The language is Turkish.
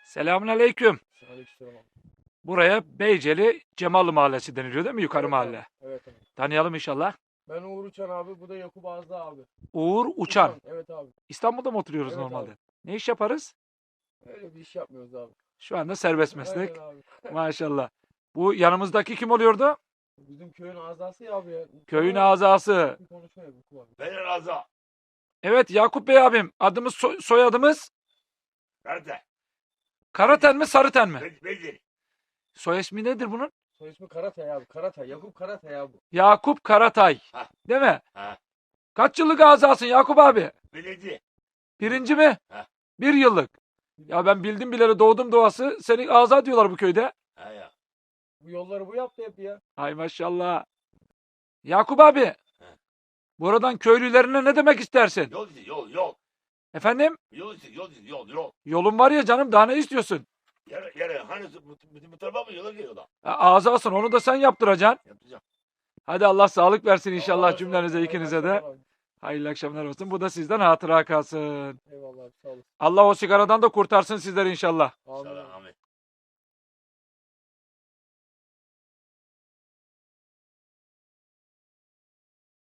Selamünaleyküm. Aleykümselam abi. Buraya Beyceli Cemallı Mahallesi deniliyor değil mi? Yukarı Evet mahalle. abi. Evet abi. Tanıyalım inşallah. Ben Uğur Uçan abi. Bu da Yakup Azda abi. Uğur Uçan. Evet abi. İstanbul'da mı oturuyoruz Evet normalde? abi. Ne iş yaparız? Öyle bir iş yapmıyoruz abi. Şu anda serbest meslek. Aynen abi. Maşallah. Bu yanımızdaki kim oluyordu? Bizim köyün azası ya abi ya. Köyün Sana azası. bir konuşma ya Yakup abi. Benim razı. Evet Yakup Bey abim. Adımız soyadımız Nerede? Karaten mi Sarıten mi? Bedir. Soy ismi nedir bunun? Soy ismi Karatay abi. Karatay. Yakup Karatay abi. Yakup Karatay. Ha. Değil mi? Ha. Kaç yıllık azasın Yakup abi? Belediye. Birinci mi? Ha. 1 yıllık. Ya ben bildim bileli doğdum doğası. Seni aza diyorlar bu köyde. Ha ya. Bu yolları bu yaptı hep ya. Ay maşallah. Yakup abi. Buradan köylülerine ne demek istersin? Yol izi, yol. Efendim? Yol izi, yol. Yolun var ya canım daha ne istiyorsun? Yere hani bu tarafa mı yola geliyor da? Ağzasın onu da sen yaptıracaksın. Yapacağım. Hadi Allah sağlık versin inşallah Allah cümlenize razı ikinize olsun. de. Hayırlı akşamlar Hayırlı akşamlar olsun. Bu da sizden hatıra kalsın. abi. Eyvallah abi. Sağ olasın. Allah o sigaradan da kurtarsın sizleri inşallah. Amin. Selam.